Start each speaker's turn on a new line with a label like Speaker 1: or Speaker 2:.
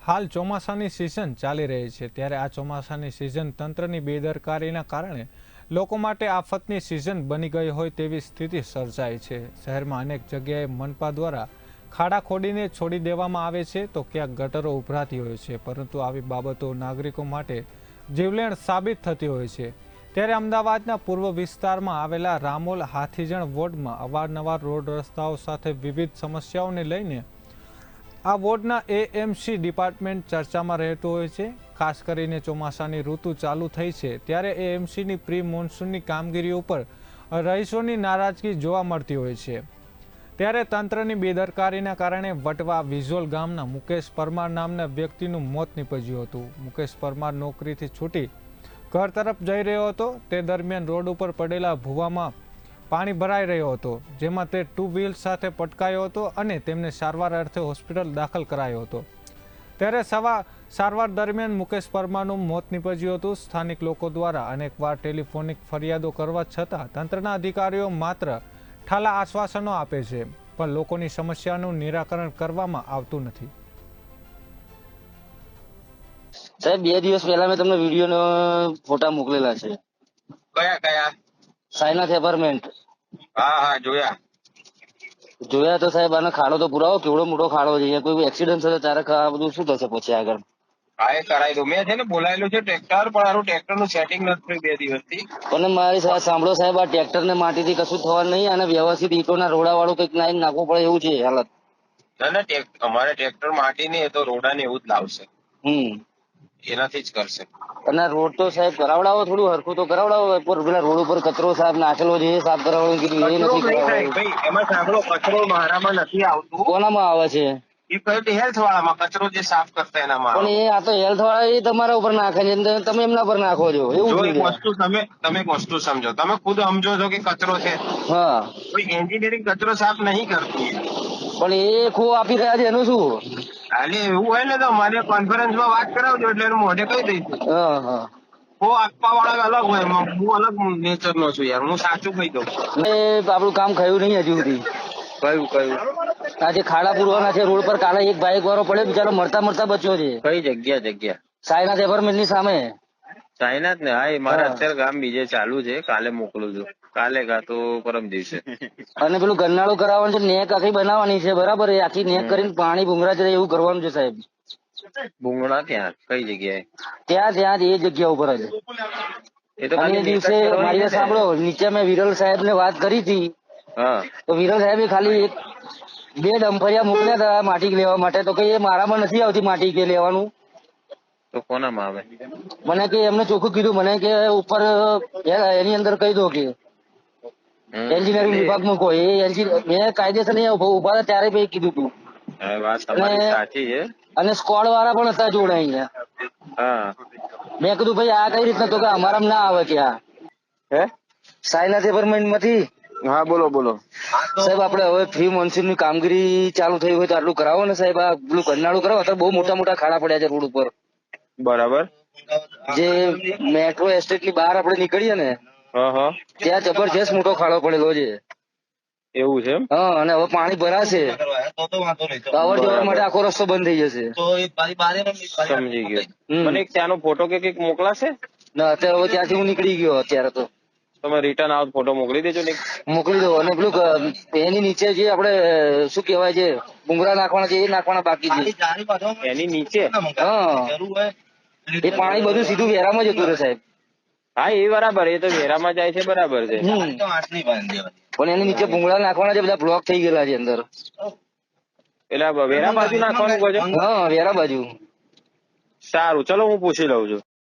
Speaker 1: હાલ ચોમાસાની સિઝન ચાલી રહી છે ત્યારે આ ચોમાસાની સિઝન તંત્રની બેદરકારીના કારણે લોકો માટે આફતની સિઝન બની ગઈ હોય તેવી સ્થિતિ સર્જાઈ છે। શહેરમાં અનેક જગ્યાએ મનપા દ્વારા ખાડા ખોદીને છોડી દેવામાં આવે છે તો ક્યાંક ગટરો ઉભરાતી હોય છે, પરંતુ આવી બાબતો નાગરિકો માટે જીવલેણ સાબિત થતી હોય છે। ત્યારે અમદાવાદના પૂર્વ વિસ્તારમાં આવેલા રામોલ હાથીજણ વોર્ડમાં અવારનવાર રોડ રસ્તાઓ સાથે વિવિધ સમસ્યાઓને લઈને આ વોર્ડના એએમસી ડિપાર્ટમેન્ટ ચર્ચામાં રહેતું હોય છે। ખાસ કરીને ચોમાસાની ઋતુ ચાલુ થઈ છે ત્યારે એએમસીની પ્રી મોન્સૂનની કામગીરી ઉપર રહીશોની નારાજગી જોવા મળતી હોય છે। ત્યારે તંત્રની બેદરકારીના કારણે વટવા વિઝોલ ગામના મુકેશ પરમાર નામના વ્યક્તિનું મોત નીપજ્યું હતું। મુકેશ પરમાર નોકરીથી છૂટી ઘર તરફ જઈ રહ્યો હતો તે દરમિયાન રોડ ઉપર પડેલા ભૂવામાં પાણી ભરાઈ રહ્યો હતો, જેમાં તે ટુ વ્હીલ સાથે પટકાયો હતો અને તેમને સારવાર અર્થે હોસ્પિટલ દાખલ કરાયો હતો। ત્યારે સારવાર દરમિયાન મુકેશ પરમારનું મોત નીપજ્યું હતું। સ્થાનિક લોકો દ્વારા અનેકવાર ટેલિફોનિક ફરિયાદો કરવા છતાં તંત્રના અધિકારીઓ માત્ર ઠાલા આશ્વાસનો આપે છે, પણ લોકોની સમસ્યાનું નિરાકરણ કરવામાં આવતું નથી।
Speaker 2: સાહેબ 2 દિવસ પહેલા મેં તમને વિડીયો ફોટા મોકલેલા છે।
Speaker 3: કયા કયા?
Speaker 2: સાયનાથ એપાર્ટમેન્ટ।
Speaker 3: હા હા જોયા
Speaker 2: તો સાહેબ આનો ખાડો તો પુરાવો, કેવડો મોટો ખાડો છે, અહીંયા કોઈ એક્સિડન્ટ થશે ત્યારે આ બધું શું થશે પછી આગળ?
Speaker 3: હા એ કરાવી દઉં, મેં છે ને બોલાયેલું છે ટ્રેક્ટર, પણ આનું ટ્રેક્ટર નું સેટિંગ નથી થયું 2 દિવસથી।
Speaker 2: અને મારી સાથે સાંભળો સાહેબ, આ ટ્રેક્ટર ને માટીથી કશું થવાનું નહીં, અને વ્યવસ્થિત ઈંટોના રોડા વાળું કંઈક લાઈન નાખવું પડે એવું છે હાલત।
Speaker 3: ના અમારે ટ્રેક્ટર માટી નહીં, એ તો રોડા ને એવું જ લાવશે, એનાથી જ કરશે।
Speaker 2: અને રોડ તો સાહેબ કરાવડાવો, થોડું હરખું તો કરાવડાવો। પેલા રોડ ઉપર કચરો સાહેબ નાખેલો છે એ સાફ કરાવવાનું કીધું, એ નથી કરાવડાવ્યું।
Speaker 3: ભાઈ એમાં સાંભળો, કચરો મારામાં નથી આવતું।
Speaker 2: કોનામાં આવે છે?
Speaker 3: એ કયો હેલ્થ વાળામાં કચરો જે સાફ કરતા એનામાં।
Speaker 2: પણ એ આ તો હેલ્થ વાળા એ તમારા ઉપર નાખે છે, તમે એમના પર નાખો છો એવું
Speaker 3: જો એક
Speaker 2: થયું છે।
Speaker 3: વસ્તુ તમે એક વસ્તુ સમજો, તમે ખુદ સમજો છો કે કચરો છે,
Speaker 2: હા,
Speaker 3: કોઈ એન્જિનિયરિંગ કચરો સાફ નહીં કરતું યાર।
Speaker 2: પણ એ ખો આપી રહ્યા છે એનું શું?
Speaker 3: ખાલી એવું હોય ને તો મારે કોન્ફરન્સમાં વાત કરાવજો, એટલે એનું મોઢે કહી દઈશું।
Speaker 2: હા હા,
Speaker 3: હો આપવા વાળા અલગ હોય, હું અલગ નેચર નો છું યાર, હું સાચું કહી દઉં।
Speaker 2: આપણું કામ થયું નહીં હજુ સુધી।
Speaker 3: કયું
Speaker 2: આજે ખાડા પૂરવાના છે રોડ પર, કાલે એક બાઇક વાળો પડ્યો, બિચારો મરતા બચ્યો છે।
Speaker 3: કઈ જગ્યા?
Speaker 2: સાયનાથ એપાર્ટમેન્ટ ની સામે।
Speaker 3: સાયનાથ ને? હા, એ મારા અત્યારે ગામ બીજે ચાલુ છે, કાલે મોકલું છું, કાલે કા તો પરમ દિવસે।
Speaker 2: અને પેલું ગરનાળું કરાવવાનું છે, નેક આખી બનાવવાની છે, બરાબર? એ આખી નેક કરીને પાણી ભૂંગરા જાય એવું કરવાનું છે સાહેબ।
Speaker 3: ભૂંગળા ત્યાં કઈ જગ્યાએ?
Speaker 2: ત્યાં એ જગ્યા ઉપર જ।
Speaker 3: એ તો
Speaker 2: અને એ દિવસે મારી સાંભળો, નીચે મેં વિરલ સાહેબ ને વાત કરી હતી, તો વિરલ સાહેબે ખાલી 2 ડમ્ફરિયા મોકલ્યા હતા માટી લેવા માટે, તો કઈ એ મારામાં નથી આવતી માટી કે લેવાનું।
Speaker 3: તો કોનામાં આવે?
Speaker 2: મને કે એમને ચોખ્ખું કીધું, મને કે ઉપર એની અંદર કહી દો કે એન્જિનિયરિંગ વિભાગમાં કોઈ મેં કાયદેસર નહીં ઉભા હતા ત્યારે ભાઈ કીધું તું।
Speaker 3: વાત તમારી સાચી છે।
Speaker 2: અને સ્કોડ વાળા પણ હતા જોડે અહીંયા। મેં કીધું ભાઈ આ કઈ રીતના? તો કે અમારામાં ના આવે કે આ સાયનાથ એપાર્ટમેન્ટ માંથી।
Speaker 3: હા બોલો
Speaker 2: સાહેબ, આપણે હવે પ્રી મોન્સૂન ની કામગીરી ચાલુ થઈ હોય તો આટલું કરાવો ને સાહેબ। આ પેલું ગરનાળું કરાવો, અત્યારે બહુ મોટા ખાડા પડ્યા છે રોડ ઉપર।
Speaker 3: બરાબર।
Speaker 2: જે મેટ્રો એસ્ટેટ ની બહાર આપણે નીકળીએ ને ત્યાં જબરજસ્ત મોટો ખાડો પડેલો છે।
Speaker 3: એવું છે?
Speaker 2: હા, અને હવે પાણી ભરાશે તો અવર જવર માટે આખો રસ્તો બંધ થઈ જશે।
Speaker 3: સમજી ગયો। મને એક ત્યાંનો ફોટો કે કંઈક મોકલાશે?
Speaker 2: ના, અત્યારે હવે ત્યાંથી હું નીકળી ગયો અત્યારે તો।
Speaker 3: તમે રિટર્ન આવો ફોટો મોકલી દેજો ને।
Speaker 2: મોકલી દો। અને પેલું એની નીચે જે આપણે શું કહેવાય છે ભૂંગળા નાખવાના છે, એ નાખવાના બાકી છે
Speaker 3: એની નીચે।
Speaker 2: હા, એ પાણી બધું સીધું વેરામાં જતું રહે સાહેબ।
Speaker 3: હા એ બરાબર, એ તો વેરામાં જાય છે, બરાબર છે।
Speaker 2: પણ એની નીચે ભૂંગળા નાખવાના છે, બધા બ્લોક થઈ ગયેલા છે અંદર।
Speaker 3: એટલે વેરા બાજુ નાખવાનું કહો છો?
Speaker 2: હા, વેરા બાજુ।
Speaker 3: સારું, ચલો હું પૂછી લઉં છું।